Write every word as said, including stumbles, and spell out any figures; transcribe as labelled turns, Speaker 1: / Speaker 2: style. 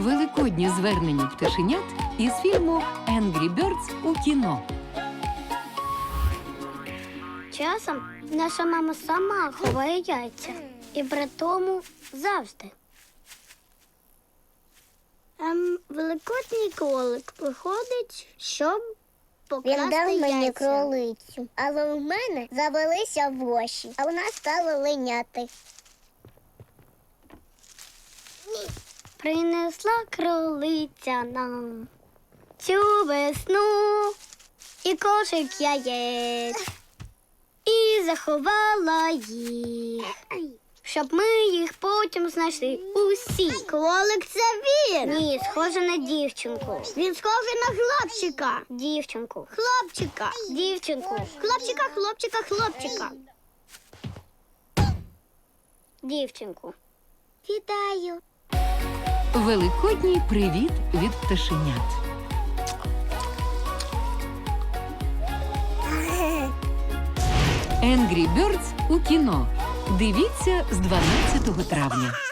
Speaker 1: Великодні звернення пташенят із фільму «Angry Birds» у кіно.
Speaker 2: Часом наша мама сама ховає яйця. І при тому завжди. Ем, великодній кролик приходить, щоб покласти
Speaker 3: Він дав мені
Speaker 2: яйця.
Speaker 3: кролицю, але в мене завелися воші, а вона стала линяти.
Speaker 2: Принесла кролиця нам цю весну і кошик яєць, і заховала їх, щоб ми їх потім знайшли усі. Кролик — це він! Ні, схоже на дівчинку. Він схожий на хлопчика. Дівчинку. Хлопчика. Дівчинку. Хлопчика, хлопчика, хлопчика. Дівчинку. Вітаю.
Speaker 1: Великодній привіт від пташенят. «Angry Birds» у кіно. Дивіться з дванадцятого травня.